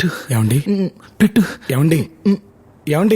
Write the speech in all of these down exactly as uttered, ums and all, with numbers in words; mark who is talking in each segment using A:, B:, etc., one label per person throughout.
A: పెట్టు ఏమండి పెట్టు ఏమండి ఏమండి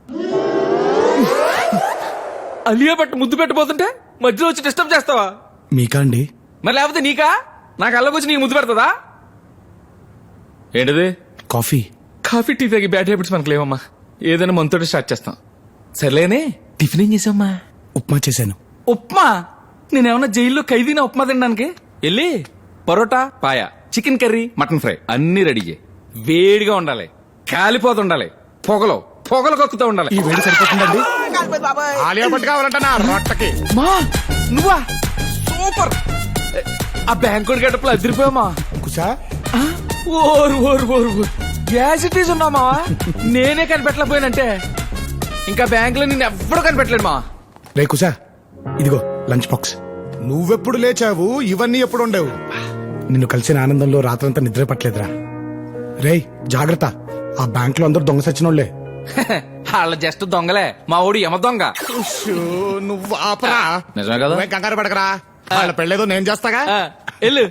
B: అలియా పట్టు ముద్దు పెట్టబోతుంటే మధ్యలో వచ్చి డిస్టర్బ్ చేస్తావా?
A: మీకా అండి?
B: మరి లేకపోతే నీకా? నాకు అల్లకొచ్చి నీకు ముద్దు పెడతదా? ఏంటిది?
A: కాఫీ.
B: కాఫీ టీ తాగి బ్యాడ్ హ్యాబిట్స్ మనకు లేవమ్మా. ఏదైనా మనతోటి స్టార్ట్ చేస్తాం. సర్లేనే, టిఫిన్ ఏం చేసామ్మా?
A: ఉప్మా చేశాను.
B: ఉప్మా? నేనేమన్నా జైల్లో ఖైదీనా ఉప్మా తినడానికి? వెళ్ళి parota, paya, chicken curry, mutton fry అన్ని రెడీ చేయి. వేడిగా ఉండాలి, కాలిపోతుండాలి, పొగలో పొగలు కక్కుతూ ఉండాలి.
A: ఈ వేడి సరిపోతుందండి. ఆలియా భట్ కావాలంట నా రొట్టకి.
B: మా నువ్వా? సూపర్. ఆ బ్యాంకుడి గడపలో అదిరిపోయామా?
A: కుసా
B: ఓరు ఓరు ఓరు ఓరు గ్యాస్ ఇటీస్ ఉన్నామా? నేనే కనిపెట్టలేకపోయానంటే ఇంకా బ్యాంక్ లో నిన్ను ఎవ్వడూ కనిపెట్టలేడు మా.
A: రే కుసా, ఇదిగో లంచ్ బాక్స్. నువ్వెప్పుడు లేచావు? ఇవన్నీ ఎప్పుడు ఉండేవు? నిన్ను కలిసిన ఆనందంలో రాత్రంతా నిద్ర పట్టలేదురా. రేయ్ జాగ్రత్త, ఆ బ్యాంక్ లో అందరు దొంగ సచ్చినోళ్లే.
B: వాళ్ళ జస్ట్ దొంగలే, మా ఊడు యమ దొంగ.
A: నువ్వు ఆపరా.
B: నిజమే కదా?
A: నువ్వేం కంగారు పడకరా, వాళ్ళ పెళ్ళేదో నేను చేస్తాగా.
B: ఆ, వెళ్ళు.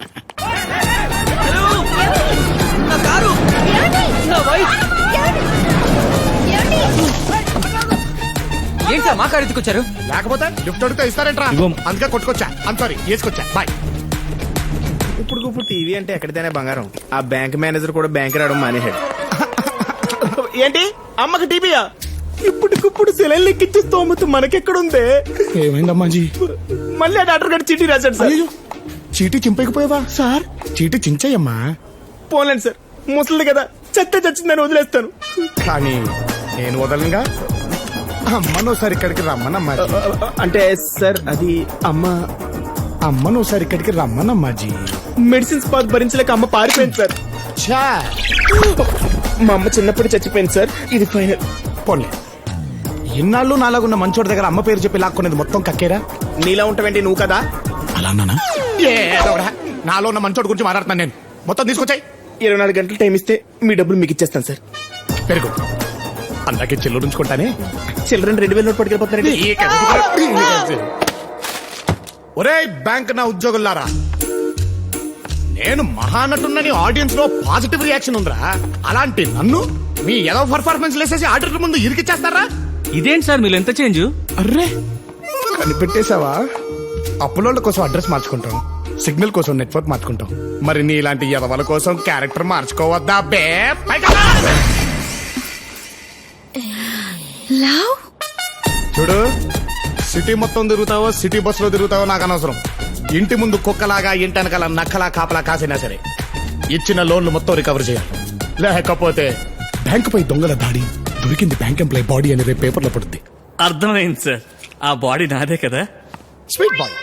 B: ఏంటా మా కారు ఎత్తుకొచ్చారు?
A: లేకపోతే లిఫ్ట్ అడిగితే ఇస్తారేంట్రా? అందుకే కొట్టుకొచ్చా. అంత సారీ, వేసుకొచ్చా. బాయ్.
C: ఇప్పుడు ఇప్పుడు టీవీ అంటే ఎక్కడితేనే బంగారం. ఆ బ్యాంక్ మేనేజర్ కూడా బ్యాంక్ రావడం మానేశాడు. ఏంటి అమ్మకి టీవీయా? ఇప్పటికిప్పుడు సెలైన్ లెక్కించే స్తోమత మనకెక్కడుందే?
A: ఏమైందమ్మాజీ?
C: మళ్ళీ ఆ డాక్టర్ గారు చీటీ రాశాడు సార్.
A: అయ్యో, చీటీ చింపకపోయావా సార్? చీటీ చించయ్యమ్మా.
C: పోలేండి సార్, ముసలిది కదా, చెత్త చచ్చిందని వదిలేస్తాను.
A: కానీ నేను వదలంగా. అమ్మను ఒకసారి ఇక్కడికి రమ్మనమ్మా.
C: అంటే సార్ అది అమ్మ
A: అమ్మను ఒకసారి ఇక్కడికి రమ్మనమ్మాజీ.
C: మెడిసిన్స్ పాత్ భరించలేక అమ్మ పారిపోయింది సార్.
A: ఛా,
C: మా అమ్మ చిన్నప్పుడు చచ్చిపోయింది సార్. ఇది ఫైనల్.
A: పోన్లే, ఇన్నాళ్ళు నాలాగున్న మంచోడి దగ్గర అమ్మ పేరు చెప్పి లాక్కునేది మొత్తం కక్కేరా.
C: నీలా ఉంటావేంటి నువ్వు కదా?
A: అలా అన్నానా? ఏదోరా, నాలో ఉన్న మంచోడి గురించి మాట్లాడుతున్నాను నేను. మొత్తం తీసుకొచ్చాయి.
C: ఇరవై నాలుగు గంటలు టైం ఇస్తే మీ డబ్బులు మీకు ఇచ్చేస్తాను సార్.
A: పెరుగు అందాకే చెల్లు ఉంచుకుంటానే.
C: చిల్డ్రన్ రెండు వేల నోట్ పట్టుకెళ్ళిపోతున్నారండి.
A: ఒరే బ్యాంక్ నా ఉద్యోగులారా, నేను మహానటున్నని ఆడియన్స్ లో పాజిటివ్ రియాక్షన్ ఉందిరా. అలాంటి నన్ను మీ ఏదో పర్ఫార్మెన్స్ లేసేసి ఆడిటర్ ముందు ఇరికిచ్చేస్తారా?
B: ఇదేంటి సార్ మీరు ఎంత చేంజ్?
A: అర్రే కనిపెట్టేశావా? అప్పులోళ్ళ కోసం అడ్రస్ మార్చుకుంటాం, సిగ్నల్ కోసం నెట్వర్క్ మార్చుకుంటాం. మరి నీ ఇలాంటి ఎదవల కోసం క్యారెక్టర్ మార్చుకోవద్దా బే? చూడు, సిటీ మొత్తం తిరుగుతావో సిటీ బస్ లో తిరుగుతావో నాకు అనవసరం. ఇంటి ముందు కుక్కలాగా ఇంటి వెనకాల నక్కలా కాపలా కాసినా సరే ఇచ్చిన లోన్లు మొత్తం రికవర్ చేయాలి. లేకపోతే బ్యాంకు పై దొంగల దాడి, దొరికింది బ్యాంక్ ఎంప్లాయ్ బాడీ అనేది పేపర్లో పడుతుంది.
D: అర్థమైంది సార్, ఆ బాడీ నాదే కదా.
A: Sweet boy.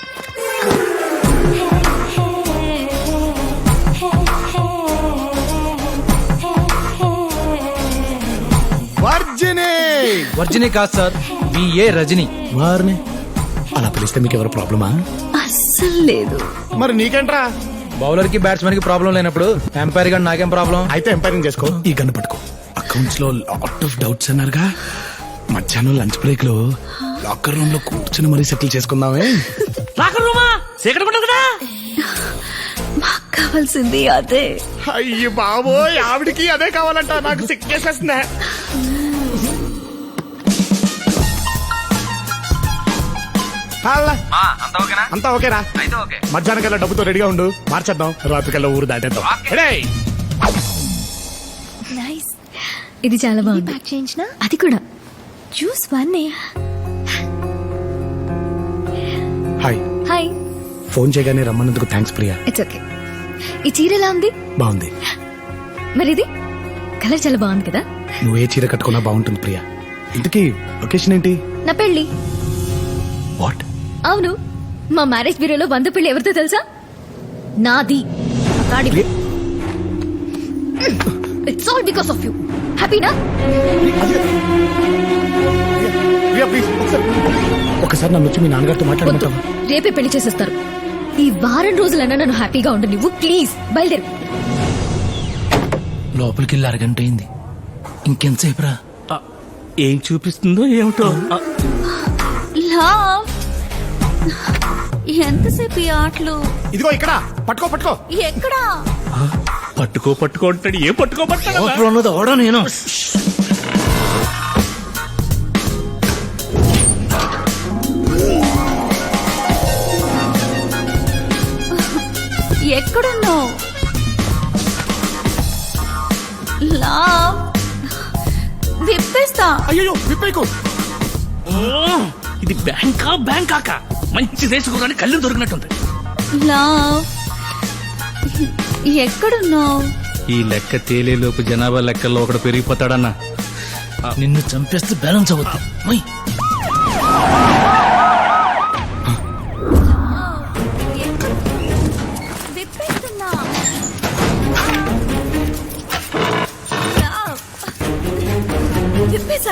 A: వర్జిని.
E: వర్జిని కాదు సార్, బిఏ రజని.
A: వారిని అలా పిలిస్తే మీకు ఎవరు ప్రాబ్లమా?
F: అస్సలు లేదు.
A: మరి నీకేంట్రా?
E: బౌలర్ కి బ్యాట్స్మెన్ కి ప్రాబ్లం లేనప్పుడు ఎంపైర్ గా నాకేం ప్రాబ్లం?
A: అయితే ఎంపైరింగ్ చేసుకో. ఈ గన్ను పట్టుకో. అకౌంట్స్ లో లాట్ ఆఫ్ డౌట్స్ అన్నారుగా, మధ్యాహ్నం లంచ్ బ్రేక్ లో లాకర్ రూమ్ లో కూర్చొని మరీ సెటిల్ చేసుకుందామే.
D: లాకర్ రూమా? సీక్రెట్ ఉంటుంది కదా.
F: మాకు కావాల్సింది అదే.
A: అయ్యి బాబోయ్, ఆవిడికి అదే కావాలంట. నాకు సిక్కేసేస్తున్నా. అంతా ఓకేరా? మధ్యాహ్నం కల్లా డబ్బుతో రెడీగా ఉండు, మార్చేద్దాం. రాత్రి కల్లా ఊరు దాటేద్దాం.
F: నైస్. ఇది చాలా బాగుంది. ప్యాక్ చేయించిన అది కూడా juice one.
A: Hi.
F: Hi.
A: Phone చేయగానే రమ్మన్నందుకు థ్యాంక్స్ ప్రియా.
F: It's okay. ఈ చీర ఎలా ఉంది?
A: బాగుంది.
F: మరి ఇది కలర్ చాలా బాగుంది కదా.
A: నువ్వే చీర కట్టుకున్నా బాగుంటుంది ప్రియా. ఇంతకీ లొకేషన్ ఏంటి?
F: నా పెళ్లి.
A: వాట్?
F: అవును, మా మ్యారేజ్ బ్యూరోలో వంద పెళ్లి ఎవరితో తెలుసా? నాది. It's all because of you. హ్యాపీనా?
A: ఒకసారి నన్ను వచ్చి మీ నాన్నగారితో మాట్లాడుకుంటావా?
F: రేపే పెళ్లి చేసేస్తారు. ఈ వారం రోజులన్నా నన్ను హ్యాపీగా ఉండు నువ్వు. ప్లీజ్ బయలుదేరు.
E: లోపలికి వెళ్ళి అరగంట అయింది, ఇంకెంతసేపు రా?
D: ఏం చూపిస్తుందో ఏమిటో.
F: లవ్, ఎంతసేపు ఈ ఆటలు?
A: ఇదిగో ఇక్కడ పట్టుకో పట్టుకో.
F: ఎక్కడా?
D: పట్టుకో పట్టుకో అంటాడు ఏ పట్టుకో పట్టాడు
E: ఉన్నది ఓడా నేను
F: ఎక్కడున్నావు లావ్ విప్పేస్తా.
A: అయ్యో విప్పేకు.
D: ఇది బ్యాంకా బ్యాంకాక మంచి దేశకురాని కళ్ళు దొరికినట్టుంది.
F: లావ్ ఎక్కడున్నావు?
E: ఈ లెక్క తేలేలోపు జనాభా లెక్కల్లో ఒకడు పెరిగిపోతాడన్నా. నిన్ను చంపేస్తే బ్యాలెన్స్ అవుద్ది. మై.
F: విప్పేస్తున్నా. లావ్. విప్పేసా.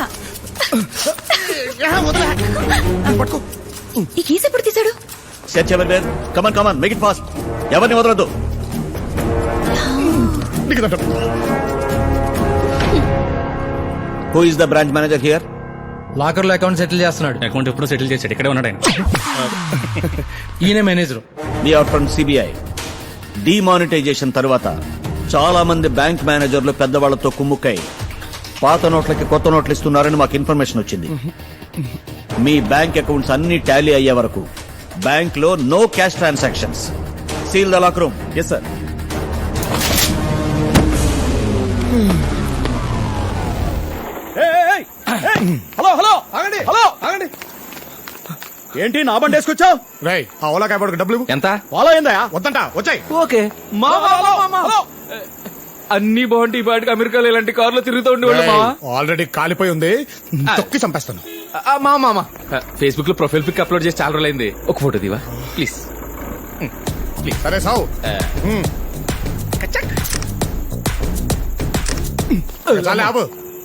A: పట్టుకో.
F: ఈ కేసు ఎప్పుడు తీశాడు?
G: సెర్చ్ ఎవరి come on come on make it fast. ఎవరిని వదలొద్దు. Who is the branch manager here?
E: Locker లో అకౌంట్ సెటిల్ చేస్తున్నాడు.
D: అకౌంట్ ఎప్పుడో సెటిల్ చేశాడు, ఇక్కడే ఉన్నాడు ఆయన.
E: ఈయన మేనేజర్.
G: మీ అవుట్ ఫ్రమ్ సిబిఐ. డిమానిటైజేషన్ తర్వాత చాలా మంది బ్యాంక్ మేనేజర్లు పెద్దవాళ్లతో కుమ్ముక్కై పాత నోట్లకి కొత్త నోట్లు ఇస్తున్నారని మాకు ఇన్ఫర్మేషన్ వచ్చింది. మీ బ్యాంక్ అకౌంట్స్ అన్ని టాలీ అయ్యే వరకు బ్యాంక్ లో no cash transactions. Seal the lock room. Yes sir.
C: Hello hello ఆగండి హలో ఆగండి. ఏంటి నా బండి వేసుకొచ్చావు?
A: రై ఆ ఓలా కాపాడుకు డబ్బులు ఇవ్వు.
B: ఎంత?
C: ఫాలో అయిందా?
A: వద్దంట వచ్చాయి.
B: ఓకే అన్ని బాగుంటాయి. పాటికి అమెరికాలో ఇలాంటి కార్లో తిరుగుతూ ఉండేవాళ్ళు మావా.
A: ఆల్రెడీ కాలిపోయి ఉంది, తొక్కి చంపేస్తాను.
B: ఆ, మా మామ ఫేస్బుక్ లో ప్రొఫైల్ పిక్ అప్లోడ్ చేసి చాలా రోజులైంది. ఒక ఫోటో దివా ప్లీజ్.
A: సరే సావు. చాలే ఆపు.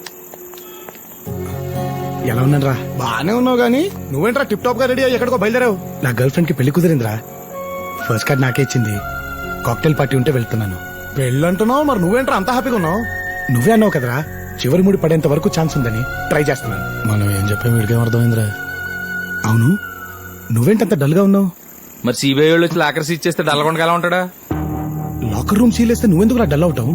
A: ఎలా ఉన్నారా? బానే ఉన్నావు గానీ నువ్వేంట్రా టిప్ టాప్ గా రెడీ అయ్యి ఎక్కడికో బయలుదేరావు? నా గర్ల్ ఫ్రెండ్ కి పెళ్లి కుదిరిందిరా. ఫస్ట్ కార్డ్ నాకే ఇచ్చింది. కాక్టైల్ పార్టీ ఉంటే వెళ్తున్నాను. పెళ్ళంటున్నావు, మరి నువ్వేంట్రా అంత హ్యాపీగా ఉన్నావు? నువ్వే అన్నావు కదరా చివరి ముడి పడేంత వరకు ఛాన్స్ ఉందని. ట్రై చేస్తున్నాను. మనం ఏం చెప్పాం వీడికేం అర్థమైందిరా? అవును, నువ్వేంటంత డల్ గా ఉన్నావు?
B: మరి సిబిఐ వాళ్ళు వచ్చి లాకర్ సీజ్ చేస్తే డల్లగొండగా ఎలా ఉంటాడా?
A: లాకర్ రూమ్ సీలేస్తే నువ్వెందుకు డల్ అవుతావు?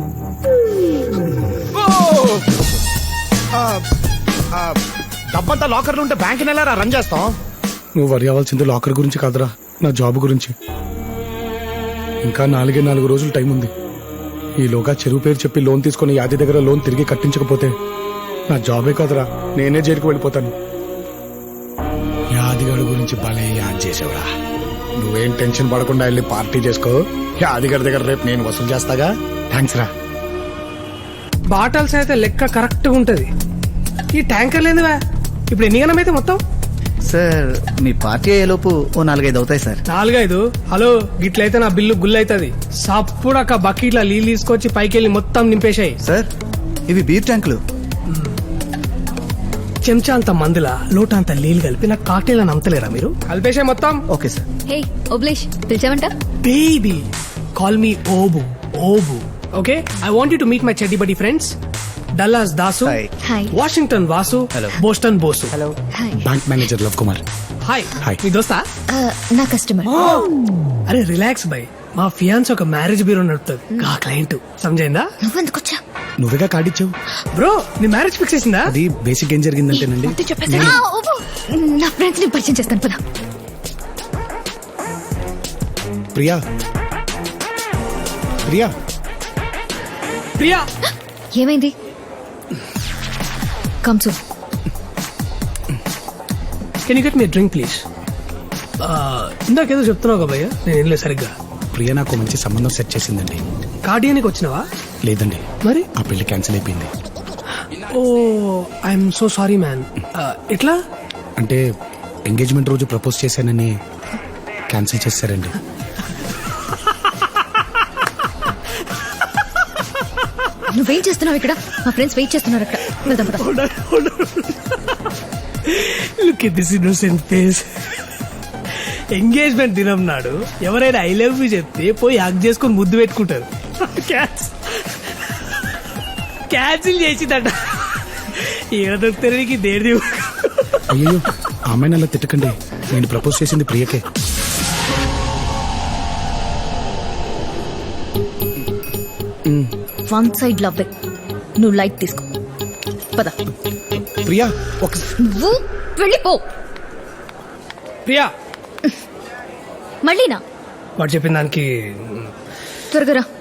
A: డబ్బంతా లాకర్లు ఉంటే బ్యాంక్ నెల రన్ చేస్తాం. నువ్వు వరి అవ్వాల్సింది లాకర్ గురించి కాదురా, నా జాబ్ గురించి. ఇంకా నాలుగే నాలుగు రోజులు టైం ఉంది. ఈలోగా చెరువు పేరు చెప్పి లోన్ తీసుకుని యాది దగ్గర లోన్ తిరిగి కట్టించకపోతే నా జాబే కాదురా, నేనే జైలుకు వెళ్ళిపోతాను. యాదిగాడు గురించి భలే యాద్ చేసావురా. నువ్వేం టెన్షన్ పడకుండా వెళ్ళి పార్టీ చేసుకో. యాదిగాడి దగ్గర రేపు నేను వసూలు చేస్తాగా. థ్యాంక్స్ రా.
H: బాటల్స్ అయితే లెక్క కరెక్ట్ గా ఉంటది. ఈ ట్యాంకర్ లేదువా? ఇప్పుడు ఎన్ని గణం అయితే మొత్తం?
I: సార్ మీ పార్టీ అయ్యేలోపు ఓ నాలుగైదు అవుతాయి సార్.
H: నాలుగైదు? హలో గిట్లయితే నా బిల్లు గుల్ అవుతుంది. సప్పుడు ఒక బకెట్ల నీళ్ళు తీసుకొచ్చి పైకి వెళ్ళి మొత్తం నింపేశాయి.
I: సార్ ఇవి బీర్ ట్యాంకులు.
H: చెంచా అంత మందుల లోట అంత నీళ్ళు కలిపి నాకు కాక్టైల్ అని అమ్మతలేరా మీరు? కలిపేశాయి మొత్తం.
I: Okay sir.
F: హే ఓబ్లేష్ పిలిచావంట?
H: Baby call me Obu. Obu okay. I want you to meet my చెడ్డి బడి friends. Dallas Dasu,
I: hi.
F: Hi.
H: Washington Vasu, Boston Bosu.
I: Hello.
F: Hi.
A: Bank manager Lav Kumar.
H: Hi.
A: Hi.
H: మీ దోస్తా?
F: ఆ, నా కస్టమర్.
H: అరే రిలాక్స్ బై. మా ఫియాన్స్ ఒక మ్యారేజ్ బ్యూరో నడుపుతుంది. ఆ క్లయింట్ సమజైందా?
F: నువ్వెందుకొచ్చా?
A: నువ్వేగా కార్డిచ్చావు.
H: బ్రో నీ మ్యారేజ్ ఫిక్స్ చేసిందా?
A: అది బేసిక్ ఏం జరిగిందంటేనండి,
F: ఆ, ఓబు, నా ఫ్రెండ్స్ ని పరిచయం చేస్తాను పద.
A: ప్రియా ప్రియా
H: ప్రియా
F: ఏమైంది? Come soon.
H: Can you get me drink please? ఇందాకేదో చెప్తున్నావు కదా భయ్య, నేను ఏం లేదు సరిగ్గా.
A: ప్రియా నాకు మంచి సంబంధం సెట్ చేసిందండి.
H: కార్డియానికి వచ్చినావా?
A: లేదండి,
H: మరి
A: ఆ పెళ్లి క్యాన్సిల్ అయిపోయింది.
H: ఓ ఐఎమ్ సో సారీ మ్యాన్. ఎట్లా?
A: అంటే ఎంగేజ్మెంట్ రోజు ప్రపోజ్ చేశానని క్యాన్సిల్ చేశారండి.
F: నువ్వేం చేస్తున్నావు ఇక్కడ? మా ఫ్రెండ్స్ వెయిట్ చేస్తున్నారు అక్కడ. వెళ్దాం పద.
H: Look at this innocent face. Engagement దినం నాడు ఎవరైనా ఐ లవ్ యూ చెప్తే పోయి హగ్ చేసుకుని ముద్దు పెట్టుకుంటారు. క్యాన్సిల్ చేసిందట. ఈడ దొరుకుతానికి దేడి.
A: అయ్యో ఆమె అలా తిట్టకండి, నేను ప్రపోజ్ చేసింది ప్రియకే.
F: వన్ సైడ్ లవ్ నువ్వు లైట్ తీసుకో పద
C: ప్రియా ఒక
F: నువ్వు వెళ్ళిపో
H: ప్రియా
F: మళ్ళీనా
H: వాడు చెప్పిన దానికి
F: త్వరగా రా